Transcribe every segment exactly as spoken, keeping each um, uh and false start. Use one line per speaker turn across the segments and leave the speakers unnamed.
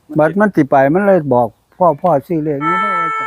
บัดมันสิไปมันเลยบอกพ่อพ่อซื้อเลขนี้ได้ว่าจ้ะ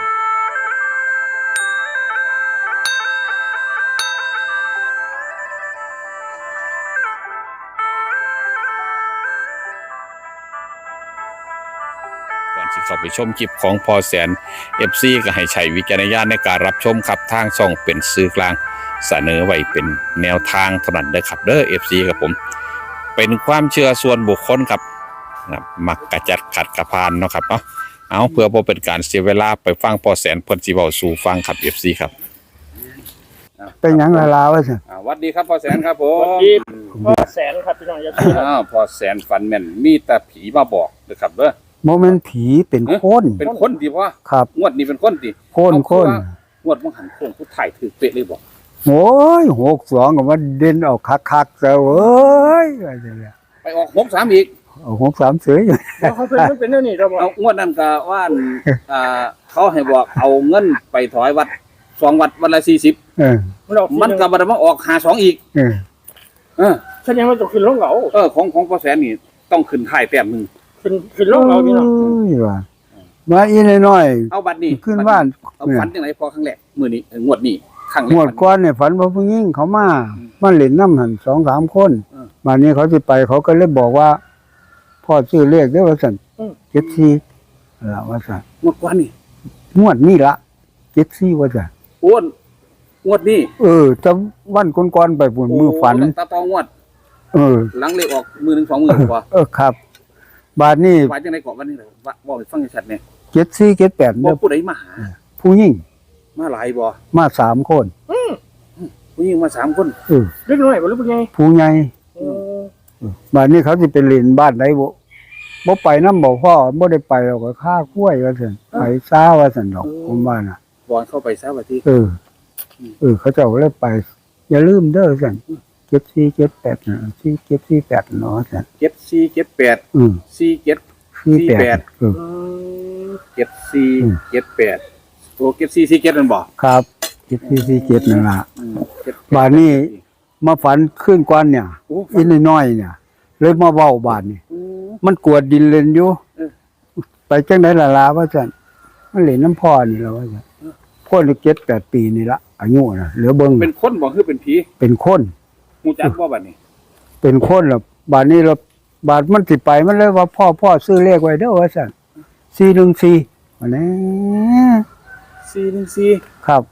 ก่อนที่เข้าไปชมคลิปของพอแสน เอฟ ซี ก็ให้ใช้วิจารณญาณในการรับชมครับทางช่องเป็นสื่อกลางเสนอไว้เป็นแนวทางเท่านั้นเด้อครับเด้อ เอฟ ซี ครับผมเป็นความเชื่อส่วนบุคคลครับมักกระจัดขัดกระพานเนาะครับเนาะเอาเพื่อบ่เป็นการเสียเวลาไปฟังพอแสนเพิ่นสิเว้าสู่ฟังครับ เอฟ ซี ครับ
เป็นหยังละลาวะสิ
อ่าวัดดีครับพ่อแสนครับผ
สวัส
ม
ดีพ่อแสนครับพี่น้องอย่าพูดครับ
อ้าวพ่อแสนฝันแม่นมีแต่ผีมาบอกเด้อครับเด้อ
โมเมนต์ผีเป็นคน
เป็นคนดีพ่อ
ครับ
งวดนี้เป็นคนดี
คนคน
งวดมังหันโค้งผู้ถ่ายถือเป๊ะเลยบอก
โอ้ยหกสองก็มาเด่นออกคักคักๆเจ้าเอ้ยว่าจังเลย
ไปออกหกสามอีก
เอาหกสามเสืออยู่
แล้วเขาเป็นมันเป็นเรื่องนี้เราบอก
เอางวดนั้นก็ว่าอั่นอ่าเขาให้บอกเอาเงินไปถอยวัดสองวัดวันละสี่สิบ
เออ
มันออก
มันก็บ่ได้มาออกหาสองอีก
เออ
เออ
แสดงว่าต้องขึ้นลงเหลา
เออของของพ่อแสนนี่ต้องขึ้นท้ายแต้มหนึง
ขึ้นขึ้นลงเหลาพี่น้อง
โอ้ยว่ามาอีน้อย
เอาบัดนี้
ๆขึ้นบ้าน
เอาฝันจังไดพอครั้งแรกมื้อนี้เอองวดนี้ครั้งแรก
หมวดก้อนเนี่ยฝันว่าผู้หญิงเขามามันเล่นน้ำหันสองสามคนมานี้เขาจะไปเขาก็เลยบอกว่าพ่อซื้อเลขได้อว่าสันเจ็ดสี่ละว่าสัน
งวดก่อนนี่
งวดนี้ละเจ็ดสี่ว่าสัน
อ้วนงวดนี้
เออจะวันก้อนๆไปปุ่นมือฝัน
โตาตองวด
เออ
หลังเลขออกมือหนึ่งสองมือพอ
เออครับ บาทนี้
ว่าจังได๋เกาะวันนี้เลยว่าบอกให้ฟังชัดๆเนี่ย
เจ็ดสี่เจ็ดแปด
บ่
เนี่ย
ผู้ใดมาหา
ผู้หญิง
มาหลายบ่
มาสามคน
ผู้หญิงมาสามคน
เออ
เล็กน้อยบ่รู้เป็นไง
ผู้ใหญ่
เออบ
าทนี้เขาจะเป็นเล่นบ้านไหนบ่บ่ไปน้ำบอกพ่อบ่ได้ไปเราก็ฆ่ากล้วยว่าสันไปซ่าว่าสันดอกผมว่าน่ะ
บอนเข้าไปซะว่าที่
เออ เออ เขาเจะเลยไป อย่าลืมเด้อสันเจ็ดสี่เจ็ดแปดนะสี่เจ็ดสี่แปดเนาะสัน
เจ็ดสี่เจ็ดแปด
อืม
สี่เจ็ด
สี่แป
สี่แป
ด
ด
เออ
อืม
เจ็ดสี่
อืม
เจ็ดแปดโอ้เจ็ดสี่สี่เจ็ดนั่นบ่
ครับเจ็ดสี่สี่เจ็ดนั่นล่ะ
อืมเจ็ด
บาทนี้ มาฝันขึ้นกวนเนี่ย
โอ้
อีน้อยๆเนี่ย เลยมาเว้าบาทนี่
โอ้
มันกวดดินเล่นอยู่
เออ
ไปจังได๋ล่ะลาว่าซั่นมันเล่นน้ำพ่อนี่ล่ะว่าซั่นพ่อนี่เจ็ดแปดปีนี่ละอายุน่ะเหลือเบิ่ง
เป็นคนบ่คือเป็นผี
เป็นคน
ฮู้จักบ่บัดนี้
เป็นคนล่ะบาทนี้เราบาทมันสิไปมันเลยว่าพ่อพ่อซื้อเลขไว้เด้อว่าซั่นสี่หนึ่งสี่ว่าแน่
สี่หนึ่งสี่
ครับ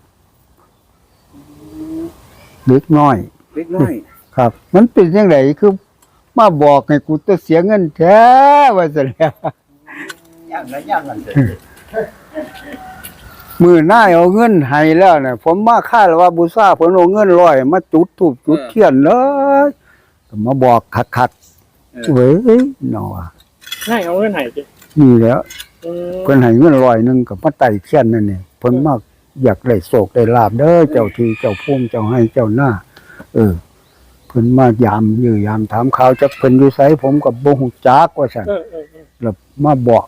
เล็กน้อย
เล็กน้อย
ครับ มันเป็นจังไดคือมาบอกให้กูต้องเสียเงินแท้ว่าซั่นแหล้ว
ย่างละย่างกันเถอะ
มือหน้าเอาเงินให้แล้วเนี่ยผมมาค่าว่าบูชาผมเอาเงินร้อยมาจุดถูกจุดเทียนเลยก็มาบอกคักๆเว้ยเนาะ
ให้เอาเงินให้สิ
นี่แหล้ว
อืม
เพิ่นให้เงินร้อยหนึงก็มาไต่เทียนนั่นนี่เพิ่นมาอยากได้โศกได้ลาบเด้อเจ้าที่เจ้าภูมิเจ้าให้เจ้าหน้า เออเพิ่นมายามยื้อยามถามข่าวจักเพิ่นอยู่ไสผมก็บ่ฮู้จักว่าซั่น
เออเออเออ
แล้วมาบอก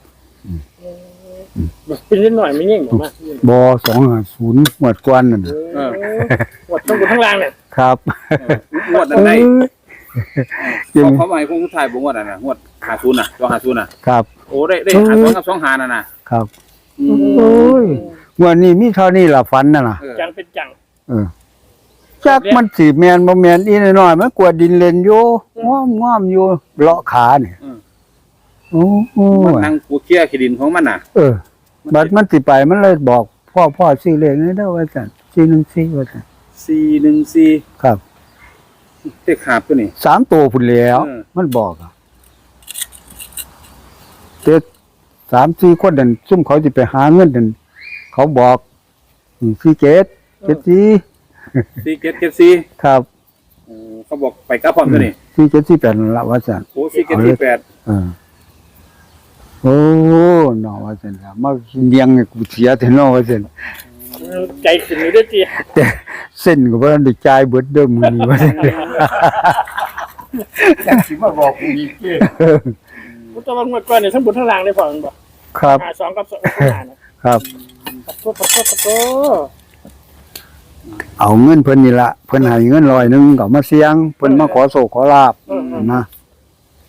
เป็นเล็กน้อยไม่ยิ่งผมว่า
บ่สองห้าศูนย์หมวดกวนนั่นน่ะ
เออหมดทั้งบนทั้งล่างเนี่ย
ครับ
งวดนั้นได้
จริง
เขาเขามาให้คงสุดท้ายบ่งวดนั้นน่ะงวดห้าศูนย์น่ะสองห้าศูนย์น่ะ
ครับ
โอ้ได้ได้ห้าสองกับสองห้านั่นน่ะ
ครับ
อื
โอ้
ม
ยวันนี้มีเท่านี้ล่ะฝันน่ะล่ะ
เออ
จังเป็นจัง
เออจักมันสิแม่นบ่แม่นอีน้อยๆมันกวาดดินเล่นอยู่ง้อมๆอยู่เลาะขาเนี่ยโอ้โห
มันนั่งกูเคลียร์ขี้ดินของมันน่ะ
เออบัดมันสิไปมันเลยบอกพ่อพ่อซื้อเลขนี้เด้อว่าซั่นสี่หนึ่งสี่ว่าซั่น
สี่หนึ่งสี่
ครับ
เด็กขาบตัวนี้
สามตัวพุ่นแล้ว
เออ
มันบอกอะเจ็ดสามสี่คนนั่นซุ่มเขาสิไปหาเงินนั่นเขาบอกอืมสี่เจ็ดเจ็ดสี่
สี่เจ็ดเจ็ดสี่
ครับ
โอ้เขาบอกไปกับพร้อมตัวนี้
สี่เจ็ดสี่แปดนั่นละว่าซั่น
โอ้สี่เจ็ดสี่แปด
เออโอ้นอว่าซั่นล่ะมาเลี้ยงให้กูเสียแต่นอว่าซั่น
ใจขึ้นอยู่ด้วยจี
แต่เส้นก็บ่ทันได้จ่ายเบิดเด้อมื้อนี้ว่าซั่น
จักสิมาบอกกูอีกเด้
พุทธวันงวดก่อนเนี่ยทั้งบนทั้งล่างเลยพอมันบอก
ครับ
หาสองกับสองกับห้านะครับ ปัดโตปัดโตปัดโต
เอาเงินเพิ่นนี่ล่ะเพิ่นให้เงินร้อยหนึงก็มาเสี่ยงเพิ่นมาขอโชคขอลาบนะ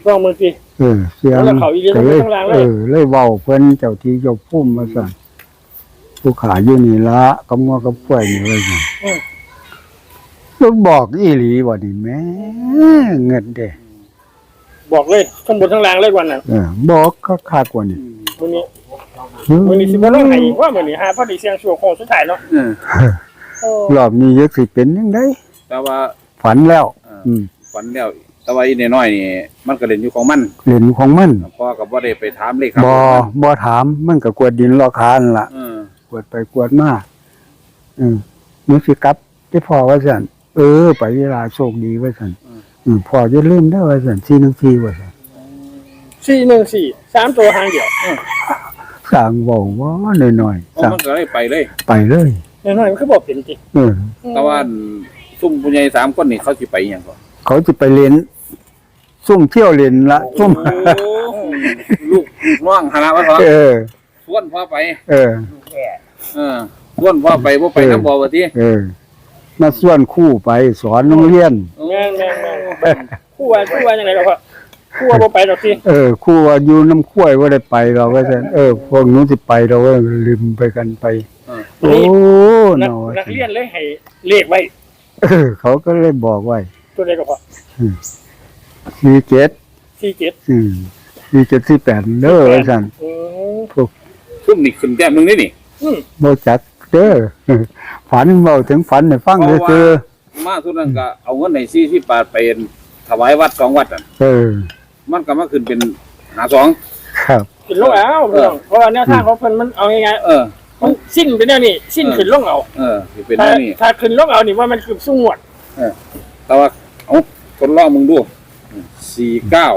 ลองมือสิ
เออเสียง
แล้วเขาอีกเรื่อง
ก็เลย
ข้างล่างเลย
เออเลยเว้าเพิ่นเจ้าที่เจ้าภูมิมาสั่นผู้ขาอยู่นี่ละกำงัวกับกล้วยนี่ว่าซั่น
อืม
ลูกบอกอีหลีบ่นี่แม่เงินเด้
บอกเลยข้างบนข้างล่างเลยวันนั้น
เออบอกก็คักกว่านี่
มื้อนี้มื้อนี้สิบ่ลงให้อีกว่ามื้อนี้หาพอดีเสียงชั่วโคงสุดท้ายเนาะ
เออ
โอ้
รอบนี้ยักสิเป็นยังไง
แต่ว่า
ฝันแล้ว
เออ
อืม
ฝันแล้วแต่ว่าอีน้อยๆนี่มันก็เล่นอยู่ของมัน
เล่นของมัน
พ่อก็บ่ได้ไปถามเลขครับ
บ่บ่ถามมันก็กวดดินรอคานล่ะ
เออก
วดไปกวดมาอืมมึงสิกลับได้พอว่าซั่นเออ ไปเวลาโชคดีว่าซั่นอืมพอจะลืมได้อว่าซั่นสี่หนึ่งสี่ว่าซั่น
สี่หนึ่งสี่สามตัวหางเดียว
สร้างเว้าว่าน้อยๆ
เอา
สร้าง
มันก็เลยไปเลย
ไปเลย
น้อยๆมันคือบ่เป็นติ
เออ
แต่ว่าซุ่มผู้ใหญ่สามคนนี่เขาสิไปอหย่างก่อน
เขาจะไปเล่นซุ่มเที่ยวเล่นละซุ่ม
โอ้ลูกน้องหาว่าเขา
เออ
ชวนพ่อไป
เออ
เออชวนพ่อไปบ่ไปน้ำบ่ว่าติ
เออ มาส่วนคู่ไปสอนโรงเรียน
แม่นแม่นแม่นคู่ว่าคู่ว่าจังไดล่ะพ่อคู่ว่าบ่ไปดอกสิ
เออครู่ว่าอยู่น้ำข้วยว่าได้ไปเราก็จะเออพวกหนู้นสิไปเราก็ลืมไปกันไป โอ้
นัก
หนอ
นักเรียนเลยให้เลขไว้
เออเขาก็เลยบอกไว้
ตัวใดก็พอ
สี่เจ็ด
สี่เจ็ด
อืมสี่เจ็ดสี่แปดเด้อว่าสั่น
อืม
พวก
ซุ่มนี่ขึ้นแต้มหนึงนี่นี่
อืม
โมจักเด้อฝันเบาถึงฝันให้ฟังเลยคือ
มาทุกนั้นก็เอาเงินในสี่สิบบาทไปถวายวัดสองวัดอ่ะ
เออ
มันก็มาขึ้นเป็นหาสอง
ครับ
ขึ้นลงเอาพี่น้องเพราะว่าแนวทางของเพิ่นมันเอาง่าย
เออ
ๆมันสิ้นไปแนวนี้สิ้นขึ้นลงเอา
เออสิเป็น
ถ้า
แนวนี้
ถ้าขึ้นลงเอานี่ว่ามันคือสู้งวด
แต่ว่าเอาคนลองมึงดูสี่เก้า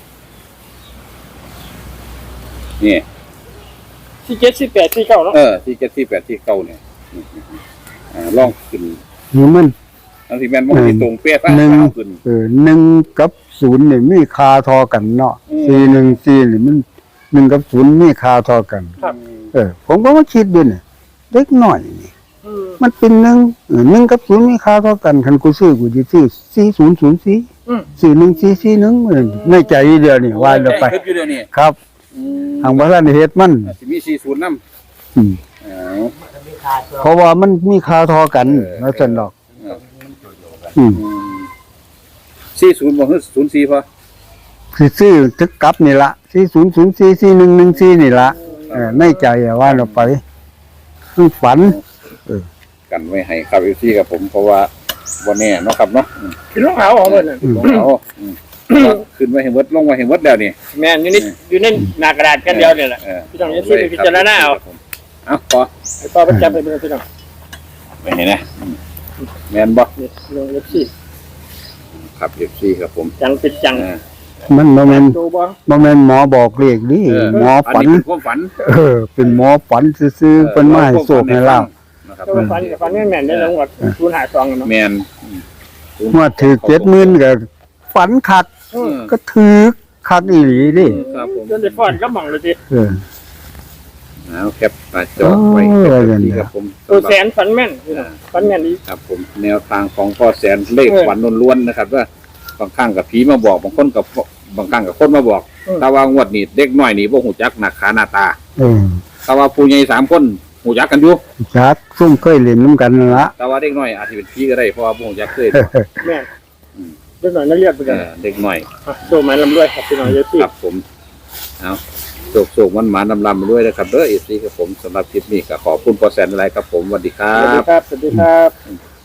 นี่
สี่เจ็ดสี่แปดสี่เก้าเนาะ
เออที่เจ็ดที่แปดที่เก้าเนี่ยอ่าลองขึ้น
นี่มัน
อันที่แม่นมันที่ตรงเป๊ะตั้ง
หนึ่ง
เท้าขึ้น
เออหนึ่งกับศูนย์นี่มีคาทอกันเนาะ
อืม
สี่หนึ่งสี่นี่มันหนึ่งกับศูนย์มีคาทอกัน
ครับ
เออ ผมก็มาคิดดูเนี่ยเล็กหน่อยนี่
อืม
มันเป็นหนึ่งเออหนึ่งกับศูนย์มีค่าเท่ากันคันกูซื้อกูจะซื้อสี่ศูนย์ศูนย์สี่
อืม
สี่หนึ่งสี่สี่หนึ่งในใจเดียวนี่ว่าเดี๋ยวไป
ขึ้นอยู่เดี๋ยวนี้
ครับ
อืม
ทางบ้านเฮ็ดมัน
สิมีสี่ศูนย์น้ำ
อืม
อ๋อ
เพราะว่ามันมีค่าเท่ากันแล้วสนดอก อืม
สี่ศูนย์บ่คือศูนย์สี่พอ
สิซื้อทึกกลับนี่ละสี่ศูนย์ศูนย์สี่สี่หนึ่งหนึ่งสี่นี่ละเออในใจอะว่าเราไปคือฝัน
กันไว้ให้ครับอยู่ที่กับผมเพราะว่าวันนี้เนาะครับเนาะอืม
ขึ้นลงเอาของเพิ่นน่ะ
ลงเอาอืมขึ้นไว้ให้เวิดลงไว้ให้เวิดแล้วนี่
แม่นอยู่นี่อยู่ในหน้ากระดาษกันเดียวนี่แหละ
เออ
พี่น้องอย่าซื้อไปพิจารณาเอา
เอาพอ
ให้ต่อประจำไปเป็นพี่น้อง
ไปเห็นนะอืมแม่นบ่
นี่พี่น้องอย่าซื้อ
ครับเอฟซีครับผม
จังเป็นจัง
อ่า
มันบ่แม่น
ดูบ่
บ่แม่นหมอบอกเลขนี่
เออ
หมอ
อัน
ฝัน
นี้เป็นความฝัน
เออ เป็นหมอฝันซื่อๆเพิ่นมาให้โชคให้ลาบ
นะครับ
ตัวฟันกับฟันแม่นๆได้จังหวัดศูนย์หาสองเนาะ
แม่น
ว่าถือเจ็ดหมื่นก็ฝันคัก
อืม
ก็ถือคักอีหลีดิ
ครับผม
จนได้ฟ้อนก็บังเลยสิ
เออ
เอาแคปหน้าจอไว้
โอ้ย
ครับที่ครับผม
ตัวแสนฝันแม่นพี่น้องฝันแม่นดี
ครับผมแนวทางของพ่อแสนเลข
เออ
ฝันล้วนๆนะครับ ว่าบางครั้งกับผีมาบอกบางคนกับบางครั้งกับคนมาบอก
เออ
แต่ว่างวดนี้เด็กน้อยนี่บ่หูจักหน้าขาหน้าตา
เออ
แต่ว่าผู้ใหญ่สามคนหูจักกันอยู่
จักซุ่มเคยเล่นน้ำกันนั่นละ
แต่ว่าเด็กน้อยอาจจะเป็นผีก็ได้เพราะว่าบ่หูจักเคย
แม่นเด็กหน่อยนักเรียนไป
เอ
กัน
อเด็กน้อย
โชว์ไม้ลำด้วยครับพี่น้องอย่าซื้อ
ครับผมเอาโศกโศกมันหมานำลำมาด้วยนะครับเด้อเอซีครับผมสำหรับคลิปนี้ก็ขอบคุณพ่อแสนอะไรครับผมสวัสดีค
สวัสดี
รับ
ครับสวัสดีครับ